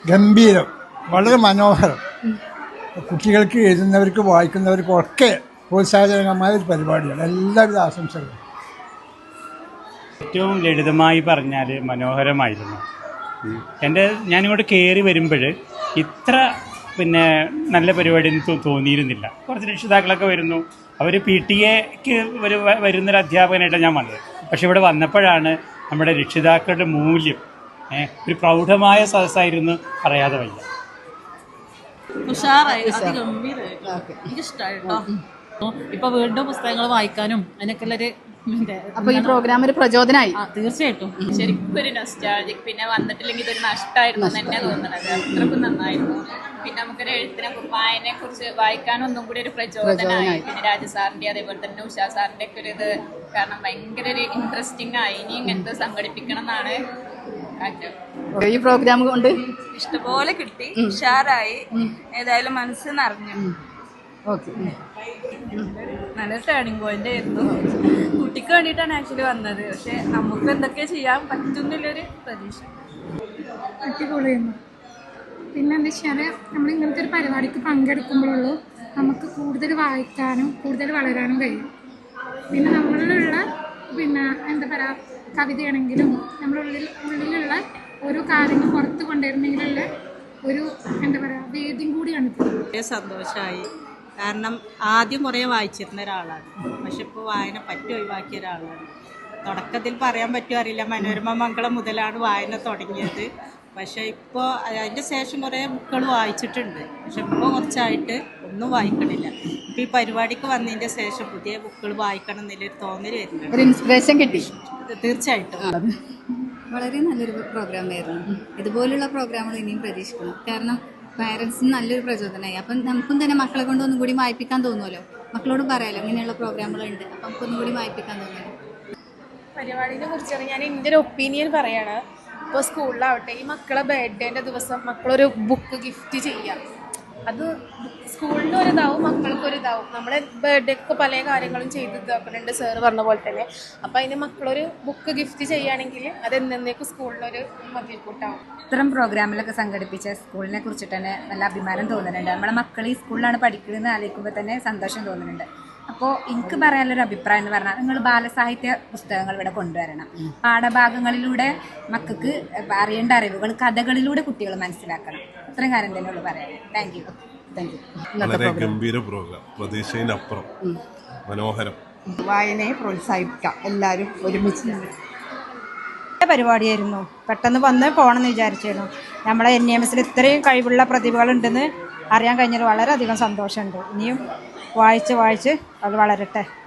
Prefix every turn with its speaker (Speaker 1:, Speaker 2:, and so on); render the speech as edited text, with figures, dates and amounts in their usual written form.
Speaker 1: ഗംഭീരം, വളരെ മനോഹരം. കുട്ടികൾക്ക് എഴുതുന്നവർക്കും വായിക്കുന്നവർക്കും ഒക്കെ പ്രോത്സാഹജനകമായ ഒരു പരിപാടിയാണ്. എല്ലാവിധ ആശംസകളും.
Speaker 2: ഏറ്റവും ലളിതമായി പറഞ്ഞാൽ മനോഹരമായിരുന്നു. ഞാനിങ്ങോട്ട് കയറി വരുമ്പോൾ ഇത്ര നല്ല പരിപാടി തോന്നിയിരുന്നില്ല. കുറച്ച് രക്ഷിതാക്കളൊക്കെ വരുന്നു, അവർ PTA-ക്ക് വരുന്നൊരു അധ്യാപകനായിട്ടാണ് ഞാൻ വന്നത്. പക്ഷെ ഇവിടെ വന്നപ്പോഴാണ് നമ്മുടെ രക്ഷിതാക്കളുടെ മൂല്യം ഒരു പ്രൗഢമായ സദസ്സായിരുന്നു, പറയാതെ വയ്യ.
Speaker 3: ഉഷാറായി, അതിഗംഭീരമായി, എനിക്കിഷ്ടമായി കേട്ടോ. ഇപ്പൊ വീണ്ടും പുസ്തകങ്ങൾ വായിക്കാനും അതിനൊക്കെയുള്ളൊരു
Speaker 4: അപ്പൊ ഈ പ്രോഗ്രാം ഒരു പ്രചോദനമായി.
Speaker 3: തീർച്ചയായിട്ടും
Speaker 5: ശരിക്കും ഒരു നൊസ്റ്റാൾജിക്. പിന്നെ വന്നിട്ടില്ലെങ്കിൽ ഇതൊരു നഷ്ടമായിരുന്നു തന്നെ തോന്നുന്നത്. അത്രക്കും നന്നായിരുന്നു. പിന്നെ നമുക്കൊരു വായനയെ കുറിച്ച് വായിക്കാനും ഒന്നും കൂടി ഒരു പ്രചോദനമായി. പിന്നെ രാജസാറിന്റെ അതേപോലെ തന്നെ ഉഷാ സാറിന്റെ ഒക്കെ ഒരു ഇത് കാരണം ഭയങ്കര ഒരു ഇൻട്രസ്റ്റിംഗ് ആയി. ഇനി ഇങ്ങനത്തെ സംഘടിപ്പിക്കണം എന്നാണ്
Speaker 4: ഈ പ്രോഗ്രാം കൊണ്ട്
Speaker 5: ഇഷ്ടംപോലെ കിട്ടി, ഉഷാറായി, ഏതായാലും മനസ്സ് നിറഞ്ഞു. നല്ല ടേണിംഗ് പോയിന്റ് ആയിരുന്നു. കുട്ടിക്ക് വേണ്ടിയിട്ടാണ് ആക്ച്വലി വന്നത്. പക്ഷെ നമുക്ക് എന്തൊക്കെ ചെയ്യാൻ പറ്റുന്നില്ലൊരു പ്രതീക്ഷ.
Speaker 6: അടിപൊളിയായിരുന്നു. പിന്നെ എന്താ വെച്ചാൽ നമ്മൾ ഇങ്ങനത്തെ ഒരു പരിപാടിക്ക് പങ്കെടുക്കുമ്പോഴുള്ളൂ നമുക്ക് കൂടുതൽ വായിക്കാനും കൂടുതൽ വളരാനും കഴിയും. പിന്നെ നമ്മളിലുള്ള എന്താ പറയുക, കവിതയാണെങ്കിലും ഉള്ളിലുള്ള ഓരോ കാര്യങ്ങൾ പുറത്ത് കൊണ്ടുവരുന്നെങ്കിലുള്ള ഒരു എന്താ പറയുക വേദിയും കൂടിയാണ്.
Speaker 7: സന്തോഷമായി. കാരണം ആദ്യം കുറേ വായിച്ചിരുന്ന ഒരാളാണ്, പക്ഷെ ഇപ്പോൾ വായന ഒഴിവാക്കിയ ഒരാളാണ്. തുടക്കത്തിൽ പറയാൻ പറ്റുമോ അറിയില്ല, മനോരമ മംഗളം മുതലാണ് വായന തുടങ്ങിയത്. പക്ഷേ ഇപ്പോൾ അതിൻ്റെ ശേഷം കുറേ ബുക്കുകൾ വായിച്ചിട്ടുണ്ട്, പക്ഷെ ഇപ്പോൾ കുറച്ചായിട്ട് ഒന്നും വായിക്കണില്ല. ഇപ്പോൾ ഈ പരിപാടിക്ക് വന്നതിൻ്റെ ശേഷം പുതിയ ബുക്കുകൾ വായിക്കണം എന്നൊരു തോന്നൽ വരുന്നുണ്ട്.
Speaker 4: ഒരു ഇൻസ്പിറേഷൻ കിട്ടി.
Speaker 7: തീർച്ചയായിട്ടും
Speaker 8: വളരെ നല്ലൊരു പ്രോഗ്രാമായിരുന്നു. ഇതുപോലുള്ള പ്രോഗ്രാമുകൾ ഇനിയും പ്രതീക്ഷിക്കണം. കാരണം പാരൻസിന് നല്ലൊരു പ്രചോദനമായി. അപ്പം നമുക്കും തന്നെ മക്കളെ കൊണ്ട് ഒന്നും കൂടി വായിപ്പിക്കാൻ തോന്നുമല്ലോ. മക്കളോട് പറയാമല്ലോ ഇങ്ങനെയുള്ള പ്രോഗ്രാമുകളുണ്ട്, അപ്പം നമുക്കൊന്നും കൂടി വായിപ്പിക്കാൻ തോന്നുമല്ലോ.
Speaker 6: പരിപാടിനെ കുറിച്ചാണ് ഞാൻ എൻ്റെ ഒരു ഒപ്പീനിയൻ പറയാണ്. ഇപ്പോൾ സ്കൂളിലാവട്ടെ, ഈ മക്കളെ ബർത്ത്ഡേൻ്റെ ദിവസം മക്കളൊരു ബുക്ക് ഗിഫ്റ്റ് ചെയ്യാം. അത് സ്കൂളിനും ഒരിതാവും മക്കൾക്കൊരിതാവും. നമ്മളെ ബർത്ത്ഡേക്ക് പല കാര്യങ്ങളും ചെയ്ത് ഇതാക്കുന്നുണ്ട് സാറ് പറഞ്ഞ പോലെ തന്നെ. അപ്പം അതിന് മക്കളൊരു ബുക്ക് ഗിഫ്റ്റ് ചെയ്യുകയാണെങ്കിൽ അത് എന്നേക്കും സ്കൂളിനൊരു മതിൽക്കൂട്ടാവും.
Speaker 9: ഇത്തരം പ്രോഗ്രാമിലൊക്കെ സംഘടിപ്പിച്ച സ്കൂളിനെ കുറിച്ചിട്ട് തന്നെ നല്ല അഭിമാനം തോന്നുന്നുണ്ട്. നമ്മളെ മക്കൾ ഈ സ്കൂളിലാണ് പഠിക്കുന്നതെന്ന് ആലോചിക്കുമ്പോൾ തന്നെ സന്തോഷം തോന്നുന്നുണ്ട്. അപ്പോൾ എനിക്ക് പറയാനുള്ളൊരു അഭിപ്രായം എന്ന് പറഞ്ഞാൽ നിങ്ങൾ ബാലസാഹിത്യ പുസ്തകങ്ങൾ ഇവിടെ കൊണ്ടുവരണം. പാഠഭാഗങ്ങളിലൂടെ മക്കൾക്ക് അറിയേണ്ട അറിവുകൾ കഥകളിലൂടെ കുട്ടികൾ മനസ്സിലാക്കണം. ഇത്രയും കാര്യം തന്നെ ഉള്ളു പറയാം. Thank you.
Speaker 10: വളരെ ഗംഭീര പ്രോഗ്രാം, പ്രതീക്ഷയിനപ്പുറം മനോഹരം.
Speaker 7: വായനയെ പ്രോത്സാഹിപ്പിക്കാം എല്ലാവരും ഒരുമിച്ച്.
Speaker 9: പരിപാടിയായിരുന്നു. പെട്ടെന്ന് വന്ന് പോകണമെന്ന് വിചാരിച്ചിരുന്നു. നമ്മളെ NMSൽ ഇത്രയും കഴിവുള്ള പ്രതിഭകളുണ്ടെന്ന് അറിയാൻ കഴിഞ്ഞാൽ വളരെയധികം സന്തോഷമുണ്ട്. ഇനിയും വായിച്ച് അത് വളരട്ടെ.